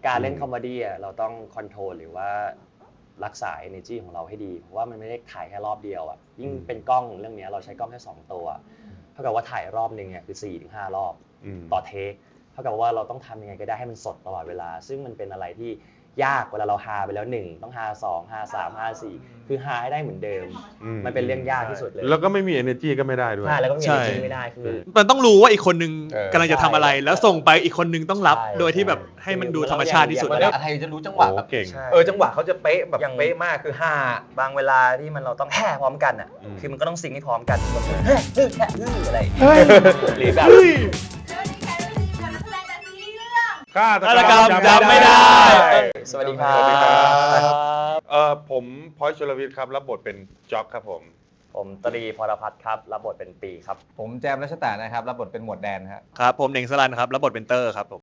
การเล่นคอมเมดี้เราต้องคอนโทรลหรือว่ารักษา energy ของเราให้ดีเพราะว่ามันไม่ได้ถ่ายแค่รอบเดียวอ่ะยิ่งเป็นกล้องเรื่องนี้เราใช้กล้องแค่2ตัวเท่ากับว่าถ่ายรอบนึงเนี่ยคือ 4-5 รอบต่อเทคเท่ากับว่าเราต้องทำยังไงก็ได้ให้มันสดตลอดเวลาซึ่งมันเป็นอะไรที่ยากเวลาเราฮาไปแล้ว1ต้องฮา2ฮา3ฮา4คือฮาให้ได้เหมือนเดิมมันเป็นเรื่องยากที่สุดเลยแล้วก็ไม่มี energy ก็ไม่ได้ด้วยใช่แล้วก็มี energy ไม่ได้คือมันต้องรู้ว่าอีกคนนึงกำลังจะทำอะไรแล้วส่งไปอีกคนนึงต้องรับโดยที่แบบให้มันดูธรรมชาติที่สุดแล้วไทยจะรู้จังหวะแบบจังหวะเขาจะเป๊ะแบบเป๊ะมากคือฮาบางเวลาที่มันเราต้องแห่พร้อมกันอ่ะคือมันก็ต้องซิงให้พร้อมกันแบบอะไรหรือแบบฆาตกรรมจำไม่ได้สวัสดีครับผมพอยชลวิทย์ครับรับบทเป็นจ็อกครับผมตรีพรพัฒน์ครับรับบทเป็นปีครับผมแจมรัชตานะครับรับบทเป็นหมวดแดนครับผมเน่งสลันครับรับบทเป็นเตอร์ครับผม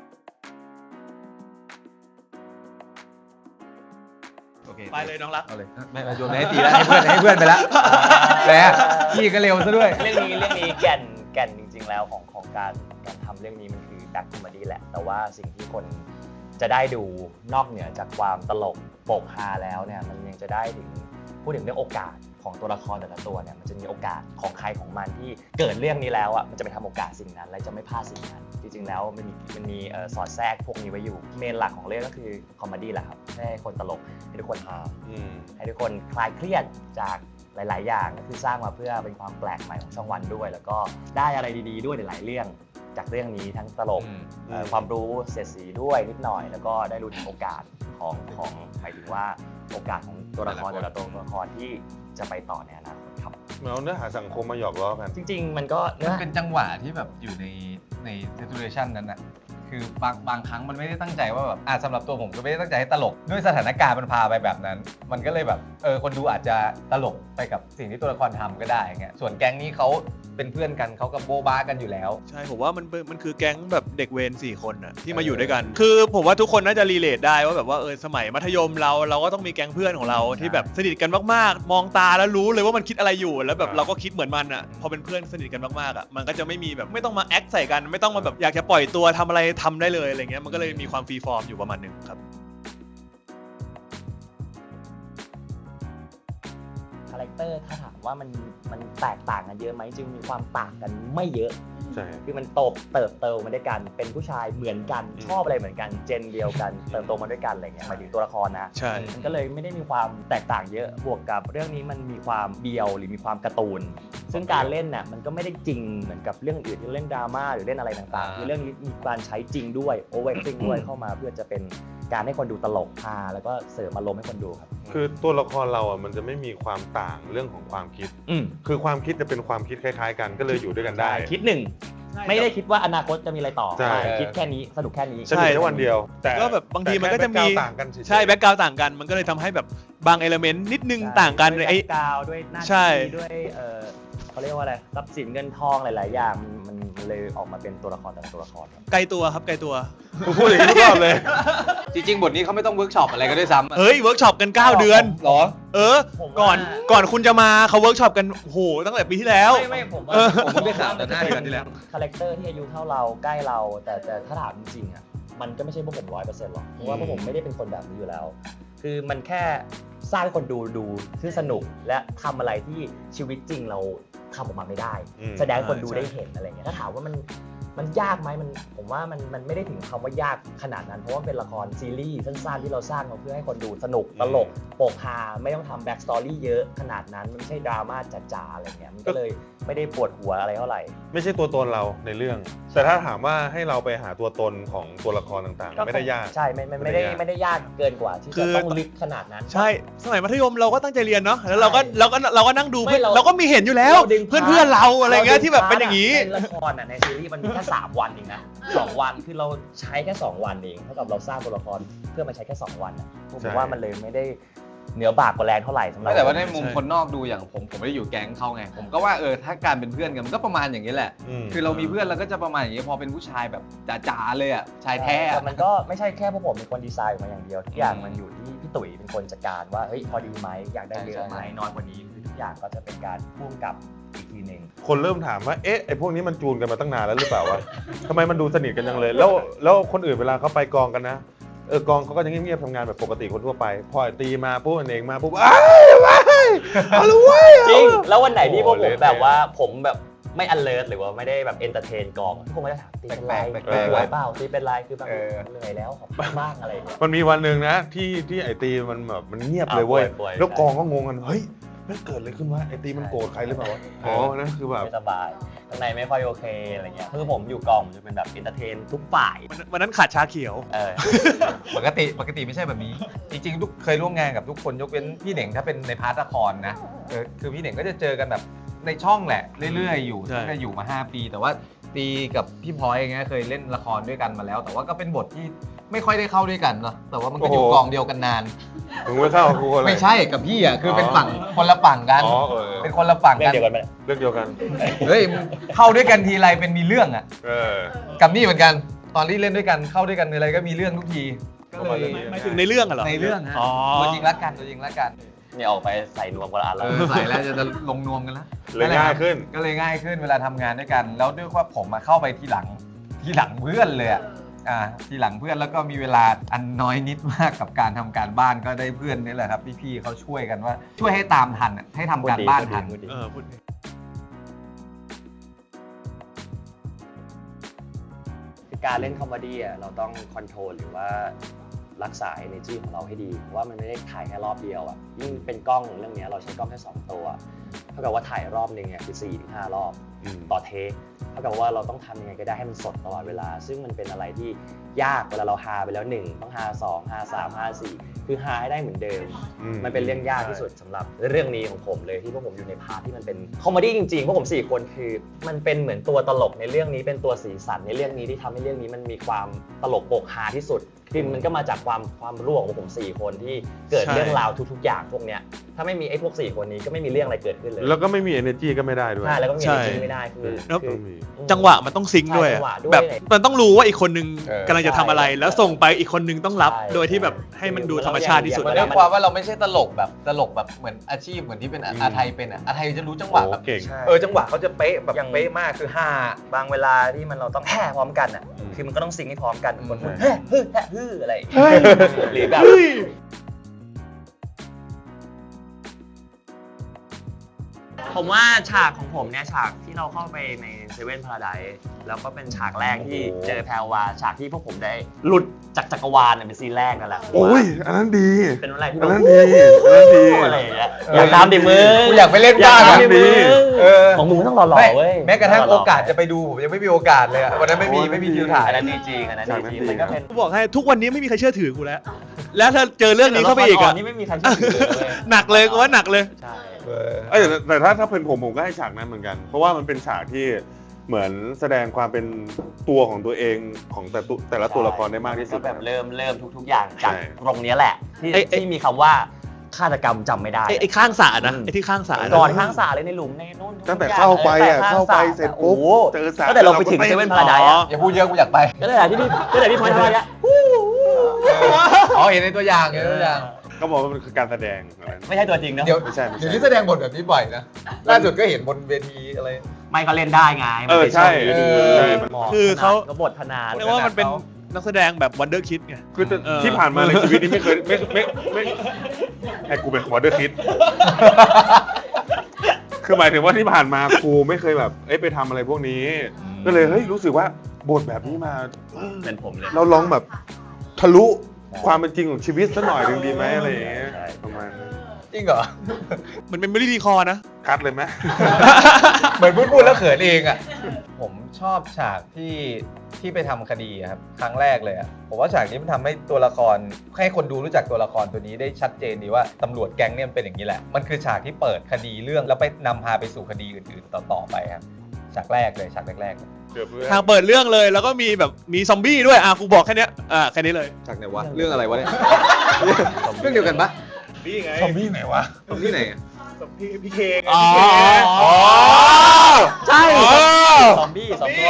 ไปเลยน้องรักเอาเลยไม่โยนให้ตีแล้วให้เพื่อนไปแล้วแล้วพี่ก็เร็วซะด้วยเรื่องนี้แก่นจริงๆแล้วของการทำเรื่องนี้มันคือแบ็คคอมเมดี้แหละแต่ว่าสิ่งที่คนจะได้ดูนอกเหนือจากความตลกโปกฮาแล้วเนี่ยมันยังจะได้พูดถึงเรื่องโอกาสของตัวละครแต่ละตัวเนี่ยมันจะมีโอกาสของใครของมันที่เกิดเรื่องนี้แล้วอ่ะมันจะไปทำโอกาสสิ่งนั้นและจะไม่พลาดสิ่งนั้นจริงๆแล้วมันมีสอดแทรกพวกนี้ไว้อยู่เมนหลักของเรื่องก็คือคอมเมดี้แหละครับให้คนตลกให้ทุกคนฮาให้ทุกคนคลายเครียดจากหลายๆอย่างก็คือสร้างมาเพื่อเป็นความแปลกใหม่ของช่องวันด้วยแล้วก็ได้อะไรดีๆด้วยหลายๆเรื่องจากเรื่องนี้ทั้งตลกความรู้เสียดสีด้วยนิดหน่อยแล้วก็ได้รู้ถึงโอกาสของหมายถึงว่าโอกาสของตัวละครแต่ละตัวละครที่จะไปต่อในอนาคตครับเอาเนื้อหาสังคมมาหยอกล้อกันจริงๆมันก็เป็นจังหวะที่แบบอยู่ใน situation นั้นนะคือบางครั้งมันไม่ได้ตั้งใจว่าแบบสำหรับตัวผมก็ไม่ได้ตั้งใจให้ตลกด้วยสถานการณ์มันพาไปแบบนั้นมันก็เลยแบบคนดูอาจจะตลกไปกับสิ่งที่ตัวละครทำก็ได้เงี้ยส่วนแก๊งนี้เขาเป็นเพื่อนกันเขากับโบบ้ากันอยู่แล้วใช่ผมว่ามันคือแก๊งแบบเด็กเวร4 คนน่ะที่มาอยู่ด้วยกันคือผมว่าทุกคนน่าจะรีเลทได้ว่าแบบว่าสมัยมัธยมเราก็ต้องมีแก๊งเพื่อนของเราที่แบบสนิทกันมากๆมองตาแล้วรู้เลยว่ามันคิดอะไรอยู่แล้วแบบเราก็คิดเหมือนมันอ่ะพอเป็นเพื่อนสนิทกันมากๆอ่ะมันก็จะไม่มีแบบไม่ต้องมาแอคใส่กันไม่ต้องมาแบบอยากจะปล่อยตัวทำอะไรทำได้เลยอะไรเงี้ยมันก็เลยมีความฟรีฟอร์มอยู่ประมาณนึงครับคาแรคเตอร์ถ้าถามว่ามันแตกต่างกันเยอะไหมจึงมีความต่างกันไม่เยอะคือมันเติบโตมาด้วยกันเป็นผู้ชายเหมือนกันชอบอะไรเหมือนกันเจนเดียวกันเติบโตมาด้วยกันอะไรเงี้ยหมายถึงตัวละครนะใช่มันก็เลยไม่ได้มีความแตกต่างเยอะบวกกับเรื่องนี้มันมีความเบียวหรือมีความการ์ตูนซึ่งการเล่นน่ะมันก็ไม่ได้จริงเหมือนกับเรื่องอื่นที่เล่นดราม่าหรือเล่นอะไรต่างๆคือเรื่องนี้มีการใช้จริงด้วยโอเวอร์แอคติ้งด้วยเข้ามาเพื่อจะเป็นการให้คนดูตลกฮาแล้วก็เสริมอารมณ์ให้คนดูครับคือตัวละครเราอ่ะมันจะไม่มีความต่างเรื่องของความคิดคือความคิดจะเป็นความคิดคล้ายๆกันก็เลยอยู่ด้วยกันได้คิดหนึ่งไม่ได้คิดว่าอนาคตจะมีอะไรต่อคิดแค่นี้สนุกแค่นี้สนุกแค่วันเดียวแต่ก็แบบบางทีมันก็จะมีใช่แบ็คกราวด์ต่างกันมันก็เลยทำให้แบบบางเอลิเมนต์นิดนึงต่างกันด้วยแบ็คกราวด์ด้วยหน้าที่ด้วยเขาเรียกว่าอะไรทรัพย์สินเงินทองหลายๆอย่างมันเลยออกมาเป็นตัวละครแต่ละตัวละครไกลตัวครับไกลตัวพูดอย่างนี้ทุกรอบเลยจริงๆบทนี้เขาไม่ต้องเวิร์กช็อปอะไรก็ด้วยซ้ำเฮ้ยเวิร์กช็อปกัน9 เดือนหรอก่อนคุณจะมาเขาเวิร์กช็อปกันโหตั้งแต่ปีที่แล้วไม่ผมได้ข่าวแต่5 เดือนที่แล้วคาแรคเตอร์ที่อายุเท่าเราใกล้เราแต่ถ้าถามจริงๆอ่ะมันก็ไม่ใช่พวกผม 100% หรอกเพราะว่าพวกผมไม่ได้เป็นคนแบบนี้อยู่แล้วคือมันแค่สร้างให้คนดูที่สนุกและทำอะไรที่ชีวิตจริงเราทำออกมาไม่ได้แสดงคนดูได้เห็นอะไรเงี้ยถ้าถามว่ามันยากไหมผมว่ามันไม่ได้ถึงคำว่ายากขนาดนั้นเพราะว่าเป็นละครซีรีส์สั้นๆที่เราสร้างมาเพื่อให้คนดูสนุกตลกโปกฮาไม่ต้องทำแบ็กสตอรี่เยอะขนาดนั้นมันไม่ใช่ดราม่าจ๋าๆอะไรเงี้ยมันก็เลยไม่ได้ปวดหัวอะไรเท่าไหร่ไม่ใช่ตัวตนเราในเรื่องแต่ถ้าถามว่าให้เราไปหาตัวตนของตัวละครต่างๆไม่ได้ยากใช่ไม่ได้ยากเกินกว่าที่จะต้องลึกขนาดนั้นใช่สมัยมัธยมเราก็ตั้งใจเรียนเนาะแล้วเราก็นั่งดูเราก็มีเห็นอยู่แล้วเพื่อนเราอะไรเงี้ยที่แบบเป็นอย่างนี้ละครในซีรีส์มันมีแค่3 วันเองนะ2 วันคือเราใช้แค่2 วันเองเท่ากับเราสร้างตัวละครเพื่อมาใช้แค่2 วันผมว่ามันเลยไม่ได้เหนือบากกว่าแรงเท่าไหร่สำหรับแต่ว่าในมุมคนนอกดูอย่างผมไม่ได้อยู่แก๊งเขาไงผมก็ว่าถ้าการเป็นเพื่อนกันมันก็ประมาณอย่างนี้แหละคือเรามีเพื่อนเราก็จะประมาณอย่างนี้พอเป็นผู้ชายแบบจ๋าๆเลยอ่ะชายแท้แต่มันก็ไม่ใช่แค่พวกผมเป็นคนดีไซน์ออกมาอย่างเดียวทุกอย่างมันอยู่ที่พี่ตุ๋ยเป็นคนจัดการว่าเฮ้ยพอดีไหมอยากได้เยอะไหมน้อยกว่านี้คือทุกอย่างก็จะเป็นการพ่วงกับอีกทีนึงคนเริ่มถามว่าไอ้พวกนี้มันจูนกันมาตั้งนานแล้วหรือเปล่าวะทำไมมันดูสนิทกันจังเลยแล้วคนอื่นเวลาเขาไปกองกันนะกองเขาก็จะเงียบๆทำงานแบบปกติคนทั่วไปพอไอ้ตีมาปุ๊บเองมาปุ๊บอ้าวเอาละเว้ยจริงแล้ววันไหนที่พวกผมโอ้โหแบบว่าผมแบบไม่ alert หรือว่าไม่ได้แบบ entertain กองทุกคนก็จะถามตีเป็นไรแปลกๆป่วยเปล่าตีเป็นไรคือแบบเออเหนื่อยแล้วขอพักบ้างอะไรอย่างเงี้ยมันมีวันหนึ่งนะที่ไอตีมันแบบมันเงียบเลยเว้ยป่วยๆแล้วกองก็งงกันเฮ้ยมันเกิดอะไรขึ้นวะไอตีมันโกรธใครหรือเปล่าวะอ๋อนั่นคือแบบไม่สบายข้างในไม่ค่อยโอเคอะไรเงี้ยคือผมอยู่กองผมจะเป็นแบบ entertain ทุกฝ่ายวันนั้นขาดชาเขียวเออปกติไม่ใช่แบบนี้ จริงๆเคยร่วมงานกับทุกคนยกเว้นพี่เหน่งถ้าเป็นในพาร์ทละครนะคือพี่เหน่งก็จะเจอกันแบบในช่องแหละเรื่อยๆอยู่ใช่ตั้งแต่อยู่มา5 ปี แต่ว่าตีกับพี่พลอยอย่างเงี้ยเคยเล่นละครด้วยกันมาแล้ว แต่ว่าก็เป็นบทที่ไม่ค่อยได้เข้าด้วยกันเนาะแต่ว่ามันก็อยู่โอ้โหกองเดียวกันนานมึงไม่เข้ากูอะไรไม่ใช่กับพี่อ่ะคือเป็นฝั่งคนละฝั่งกันอ๋อเเป็นคนละฝั่งเรื่อกังนเดียวกันไหมเรื่องเดียวกันเฮ้ยเข้าด้วยกันทีไรเป็นมีเรื่องอ่ะเออกับนี่เหมือนกันตอนที่เล่นด้วยกันเข้าด้วยกันอะไรก็มีเรื่องทุกทีก็เลยหมายถึงในเรื่องอะเหรอในเรื่องฮะอ๋อตัวจริงรักกันตัวจริงรักกันนี่ออกไปใส่นวมกันละอันแล้วใส่แล้วจะลงนวมกันแล้วเลยง่ายขึ้นก็เลยง่ายขึ้นเวลาทำงานด้วยกัน แล้วด้วยว่าผมมาเข้าไปทีหลังเพื่อนเลยอะทีหลังเพื่อนแล้วก็มีเวลาอันน้อยนิดมากกับการทำการบ้านก็ได้เพื่อนนี่แหละครับพี่ๆเขาช่วยกันว่าช่วยให้ตามทันอะให้ทำการบ้านทันพูดดีพูดคือการเล่นคอมเมดี้อ่ะเราต้องคอนโทรลหรือว่ารักษา energy ของเราให้ดีเพราะว่ามันไม่ได้ถ่ายแค่รอบเดียวอ่ะยิ่งเป็นกล้องเรื่องเนี้ยเราใช้กล้องแค่2 ตัวเท่ากับว่าถ่ายรอบนึงเนี่ยคือ 4-5 รอบอืมต่อเทคเท่ากับว่าเราต้องทำยังไงก็ได้ให้มันสดตลอดเวลา ซึ่งมันเป็นอะไรที่ยากเวลาเราฮาไปแล้ว1ต้องฮา2ฮา3ฮา4คือฮาให้ได้เหมือนเดิม มันเป็นเรื่องยากที่สุดสำหรับเรื่องนี้ของผมเลยที่พวกผมอยู่ในพาร์ทที่มันเป็นคอมเมดี้จริงๆพวกผม4 คนคือมันเป็นเหมือนตัวตลกในเรื่องนี้เป็นตัวสีสันในเรื่องนี้ที่ทำให้เรื่องนี้มันมีความตลกโปกฮาที่สุดคือมันก็มาจากความร่วมของผม4 คนที่เกิดใช่เรื่องราวทุกๆอย่างพวกเนี้ยถ้าไม่มีไอ้พวก4 คนนี้ก็ไม่มีเรื่องอะไรเกิดขึ้นเลยแล้วก็ไม่มี energy ก็ไม่ได้ด้วยใช่แล้วก็มีใช่อะไรที่ไม่ได้คือแล้วต้องมีจังหวะมันต้องซิงค์ด้วยใช่อะจังหวะด้วยแบบมันต้องรู้ว่าอีกคนนึงเออกำลังจะทำอะไร แล้วส่งไปอีกคนนึงต้องรับใช่โดยที่แบบให้มันดูธรรมชาติที่สุดมันด้วยความว่าเราไม่ใช่ตลกแบบเหมือนอาชีพเหมือนที่เป็นอาไทยเป็นอ่ะอาไทยจะรู้จังหวะแบบโอ้เก่งจังหวะเขาจะเป๊ะแบบอย่างเป๊ะมากคือห้าบางเวลาที่มันเราต้องแห่พร้อมกันอ่ะอืมคือมันก็ต้องซิงค์ให้พร้อมกันคนพูดใช่เฮ้แฮ่อะไรหรือแบบ ผมว่าฉากของผมเนี่ยฉากที่เราเข้าไปในเซเว่นพาราไดซ์แล้วก็เป็นฉากแรกที่โอ้โหเจอแพรวาฉากที่พวกผมได้หลุดจากจักรวาลเนี่ยเป็นซีนแรกนั่นแหละโอ้ยอันนั้นดีเป็นอะไรที่อันแบบนั้นดีอันนั้นดีอะไรอย่างเงี้ยอยากตามดิมึงกูอยากไปเล่นอยากบ้างตามอะดิมึงเออของมึงต้องหล่อๆเว้ยแม้กระทั่งโอกาสจะไปดูผมยังไม่มีโอกาสเลยอะวันนั้นไม่มีคิวถ่ายอันนั้นดีจริงอันนั้นดีจริงมันก็เป็นกูบอกให้ทุกวันนี้ไม่มีใครเชื่อถือกูแล้ว แล้วถ้าเจอเรื่องนี้เข้าไปอีกอะนี่ไม่มีใครเชื่อถือเลยหนักเลยกูว่าหนักเลยใช่แต่ถ้าเป็นผมก็ให้ฉากนั้นเหมือนกัน เพราะว่ามันเป็นฉากที่เหมือนแสดงความเป็นตัวของตัวเองของแต่ละตัวละครได้มากที่สุดก็แบบเริ่มทุกๆอย่างจากใช่ตรงเนี้ยแหละที่มีคำว่าฆาตกรรมจำไม่ได้ไอ้ข้างสระนะอืมไอ้ที่ข้างสระนะก่อนข้างสาเลยในหลุมในนู่นตั้งแต่เข้าไปอ่ะตั้งแต่เข้าไปข้งเสร็จปุ๊บโอ้โหเจอสระตั้งแต่เราไปถึงเซเว่นพาราไดซ์อย่าพูดเยอะกูอยากไปก็เลยที่พี่พลอยทำอะไรอ่ะอ๋อเห็นในตัวอย่างเห็นในตัวอย่างก็บอกว่ามันคือการแสดงอะไรไม่ใช่ตัวจริงนะเดี๋ยวไม่ใช่เดี๋ยวนี้แสดงบทแบบนี้บ่อยนะล่าสุดก็เห็นบนเวทีอะไรไม่ก็เล่นได้ไงมันเป็นใช่ช่วงนี้ดีใช่มันคือเขาก็บทพนานเรียกว่ามันเป็นนักแสดงแบบวันเดอร์คิดไงคือเออที่ผ่านมาในชีวิตนี้ไม่เคยไม่ให้กูเป็นวอเตอร์คิด คือหมายถึงว่าที่ผ่านมาครูไม่เคยแบบไปทำอะไรพวกนี้ ก็เลยเฮ้ยรู้สึกว่าบทแบบนี้มาเป็นผมเลยเราลองแบบทะลุความเป็นจริงของชีวิตสักหน่อยหนึ่งดีไหมอะไรอย่างเงี้ยใช่ประมาณนั้นจริงเหรอมันเป็นไม่ได้ดีคอนะคัดเลยไหมเหมือนพูดแล้วเขินเองอ่ะ ผมชอบฉากที่ไปทำคดีอะครับครั้งแรกเลยอ่ะผมว่าฉากนี้มันทำให้ตัวละครให้คนดูรู้จักตัวละครตัวนี้ได้ชัดเจนดีว่าตำรวจแก๊งเนี่ยมันเป็นอย่างนี้แหละมันคือฉากที่เปิดคดีเรื่องแล้วไปนำพาไปสู่คดีอื่นๆต่อๆไปครับฉากแรกเลยฉากแรกๆเลยเกือบเพื่อนทางเปิดเรื่องเลยแล้วก็มีแบบมีซอมบี้ด้วยกูบอกแค่เนี้ยแค่นี้เลยฉากไหนวะเรื่องอะไรวะเนี่ยเรื่องเดียวกันปะนี่ไงซอมบี้ไหนวะซอมบี้ไหนพี่เคไงอ๋อพี่เคใช่อ๋อซอมบี้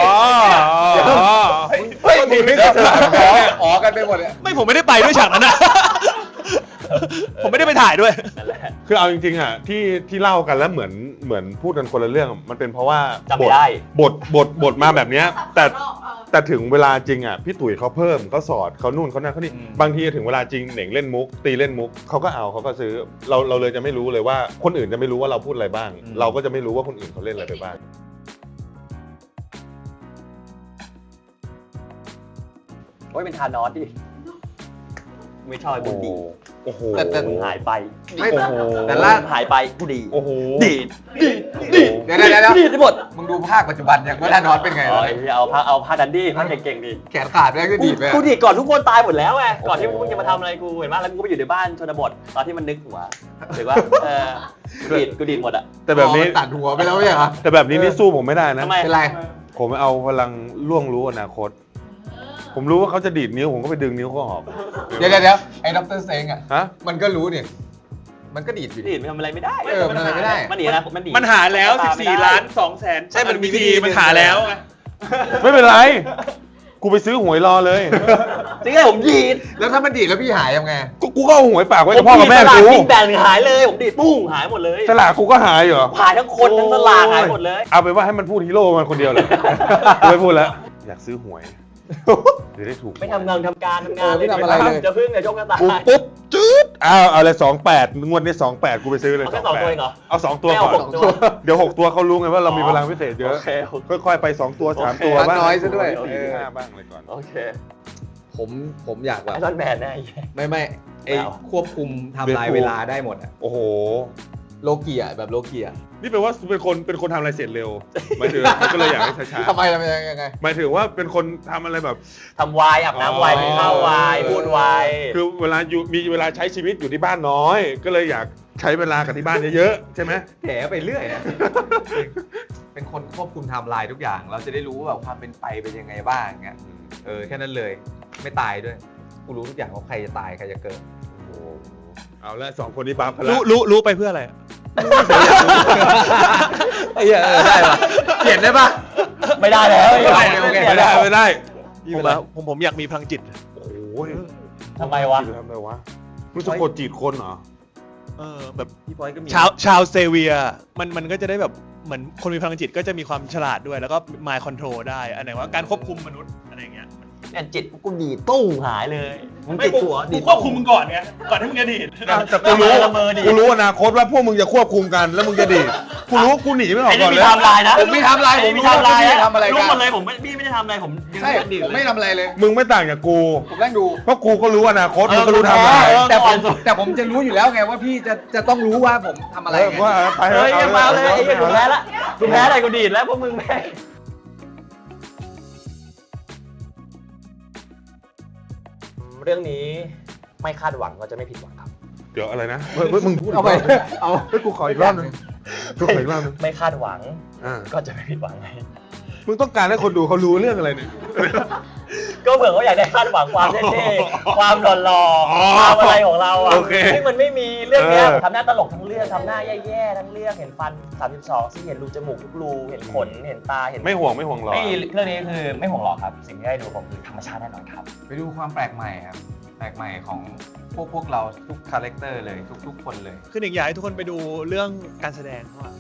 เฮ้ยมึงไม่ฉลาดอ๋อกันไปหมดเลยไม่ผมไม่ได้ไปด้วยฉากนั้นนะ ผมไม่ได้ไปถ่ายด้วยนั่นแหละคือเอาจริงๆอ่ะที่เล่ากันแล้วเหมือนพูดกันคนละเรื่องมันเป็นเพราะว่าจำไม่ได้บทมาแบบเนี้ยแต่แต่ถึงเวลาจริงอ่ะพี่ตุ๋ยเขาเพิ่มเขาสอดเขานู่นเขานั่นเขานี่บางทีถึงเวลาจริงเหน่งเล่นมุกตีเล่นมุกเขาก็เอาเขาก็ซื้อเราเลยจะไม่รู้เลยว่าคนอื่นจะไม่รู้ว่าเราพูดอะไรบ้าง เราก็จะไม่รู้ว่าคนอื่นเขาเล่นอะไรไปบ้างโอ้ยเป็นทานอสดิไม่ชอบไอ้บุญดีโอ้โหแต่มึงหายไปไม่โอ้โหแต่ล่าหายไปกูดีโอ้โหดีดเดี๋ยวดีดได้หมดมึงดูภาคปัจจุบันอย่างว่าธานอสเป็นไงอ๋อไอ้เหี้ยเอาผ้าดันดี้ผ้าเก่งๆดิแขนขาดแล้วก็ดีดไปกูดีดก่อนทุกคนตายหมดแล้วไงก่อนที่มึงจะมาทำอะไรกูเห็นไหมแล้วกูก็ไปอยู่ในบ้านชนบทตอนที่มันนึกหัวถือว่ากูดีดหมดอะแต่แบบนี้ตัดหัวไปแล้วไม่ใช่เหรอแต่แบบนี้นี่สู้ผมไม่ได้นะทำไมเป็นไรผมเอาพลังล่วงรู้อนาคต ผมรู้ว่าเขาจะดีดนิ้วผมก็ไปดึงนิ้วเขาออกเดี๋ยวไอ้ดรเซงอ่ะฮะมันก็รู้เนี่ยมันก็ดีดอยู่ดีดมันทำอะไรไม่ได้มันทำอะไรไม่ได้มันหนีนะมันหนีมันหาแล้ว 14 ล้าน 2 แสนใช่มันมีวิธีมันหาแล้วไงไม่เป็นไร กูไปซื้อหวยรอเลยจริงไงผมดีดแล้วถ้ามันดีดแล้วพี่หายยังไงกูก็เอาหวยปากไว้กับพ่อกับแม่สลากกูทิ้งแบ่งหายเลยผมดีดปุ้งหายหมดเลยสลากกูก็หายเหรอหายทั้งคนทั้งสลากหายหมดเลยเอาไปนว่าให้มันพูดฮีโร่มันคนเดียวเลย ไม่พูดแล้ว อยากซื้อหวยจะได้ถูกไม่ทำงานทำการไม่ทำอะไรเลยจะพึ่งกับโชคกระต่ายกูปุ๊บจืดเอาเลย28งวดนี้28กูไปซื้อเลยเอาแค่2ตัวเองเหรอเอา2ตัวไม่ก่เอาอน 6ตัวเดี๋ยว6ตัวเขารู้ไงว่าเรามีพลังพิเศษเยอะโอเคโอเคค่อยๆไป2ตัว3ตัวโอเคบ้างน้อยซะด้วย 4 5บ้างเลยก่อนโอเคผมอยากแบบไอรอนแมนแน่ไม่ไอ้เอาควบคุมไทำลายเวลาได้หมดอะโอ้โหโลกีอะแบบโลกีอะนี่แปลว่าเป็นคนทำอะไรเสร็จเร็วหมายถึงก็เลยอยากให้ช้าทำไมยังไงๆหมายถึงว่าเป็นคนทำอะไรแบบทำวายอาบน้ำวายกินข้าววายพูดวายคือเวลาอยู่มีเวลาใช้ชีวิตอยู่ที่บ้านน้อย ก็เลยอยากใช้เวลากับที่บ้านเยอะๆใช่ไหมแถไปเรื่อยอะเป็นคนควบคุมไทม์ไลน์ทุกอย่าง เราจะได้รู้ว่าแบบความเป็นไปเป็นยังไงบ้างเงี้ยแค่นั้นเลยไม่ตายด้วยกูรู้ทุกอย่างว่าใครจะตายใครจะเกิดโอ้โหเอาละ2คนนี้บัฟกันรู้ไปเพื่ออะไรอะไอ้เหี้ยได้ปะเปลี่ยนได้ปะไม่ได้แล้วไม่ได้โอเคไม่ได้ผมอยากมีพลังจิตโอ้โหทำไมวะทำไมวะรู้สึกกดจีดคนเหรอแบบพี่พอยก็มีชาวเซเวียมันก็จะได้แบบเหมือนคนมีพลังจิตก็จะมีความฉลาดด้วยแล้วก็ mind control ได้อันไหนว่าการควบคุมมนุษย์อะไรอย่างเงี้ยเนี่ยจิตกูดีดตุ้งหายเลยมึงติดตัวดีดควบคุมมึงก่อนไงก่อนที่มึงจะดีดแต่กูรู้ละเมอดีกูรู้อนาคตว่าพวกมึงจะควบคุมกันแล้วมึงจะดีดกูรู้กูหนีไม่ออกไอ้ก่นี่อนมีเลยไทม์ไลน์นะผมมีไทม์ไลน์ผมมีรู้ไทม์ไลว่าน์พี่นะทำอะไรรู้กันหมดเลยผมไม่ได้ทำอะไรผมยังใช่ดีดผมเลไม่ยทำอะไรเลยมึงไม่ต่างจากกูผมนั่งดูเพราะกูก็รู้อนาคตเออมึงก็รู้ทำอะไรเออแต่ผมจะรู้อยู่แล้วไงว่าพี่จะต้องรู้ว่าผมทำอะไรไงว่าไปเฮ้ยเอามาเลยไอ้เหี้ยกูแพ้ละกูแพ้อะไรกูดีดแล้วพวกมึงแพ้เรื่องนี้ไม่คาดหวังก็จะไม่ผิดหวังครับเดี๋ยวอะไรนะมึงพูดเอาไปกรบนึงเอาเฮ้ยกูขออีกรอบนึงกูขออีกรอบนึงไม่คาดหวังอ่าก็จะไม่ผิดหวังไงมึงต้องการให้คนดูเขารู้เรื่องอะไรเนี่ยก็เผื่อเขาอยากได้คาดหวังความเท่ๆความหล่ออ๋อๆความอะไรของเราอ่ะโอเคซึ่งมันไม่มีเรื่องเนี้ยเออทำหน้าตลกทั้งเรื่องทำหน้าแย่ๆทั้งเรื่องเห็นฟัน 32ซี่เห็นรูจมูกทุกรูเห็นขนเห็นตาเห็นไม่ห่วงหรอกไม่เรื่องนี้คือไม่ห่วงหรอกครับ สิ่งที่ได้ดูผมคือธรรมชาติแน่นอนครับไปดูความแปลกใหม่ครับแปลกใหม่ของพวกเราทุกคาแรคเตอร์เลยทุกคนเลยคือหนึ่งอยากให้ทุกคนไปดูเรื่องการแสดงเขาอะ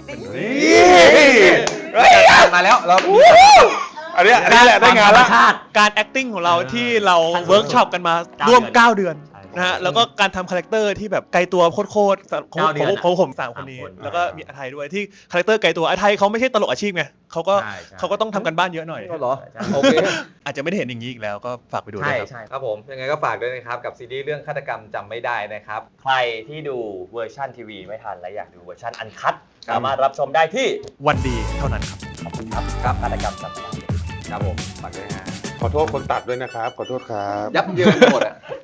มาแล้วเราอันนี้แหละได้งานละการ acting ของเราที่เราขั้นสุดเวิร์กช็อปกันมา 9 ร่วมเดือน 9 เดือนใช่นะฮะแล้วก็การทำคาแรคเตอร์ที่แบบไกลตัวโคตรๆของ 9 เดือนอะผม3 คนนี้ 3 คนแล้วก็มีอาไทยด้วยที่คาแรคเตอร์ไกลตัวอาไทยเขาไม่ใช่ตลกอาชีพไงเขาก็ต้องทำกันบ้านเยอะหน่อยเหรอโอเคอาจจะไม่ได้เห็นอย่างนี้อีกแล้วก็ฝากไปดูด้วใช่ยครับใช่ครับผมยังไงก็ฝากด้วยนะครับกับซีรีส์เรื่องฆาตกรรมจำไม่ได้นะครับใครที่ดูเวอร์ชันทีวีไม่ทันและอยากดูเวอร์ชันอันคัดสามารถรับชมได้ที่วันดีเท่านั้นครับขอบคุณครับครับฆาตกรรมจำไม่ได้ครับผมฝากด้วยนะฮะขอโทษคนตัดด้วยนะครับ ขอโทษครับยับเยินหมดอ่ะ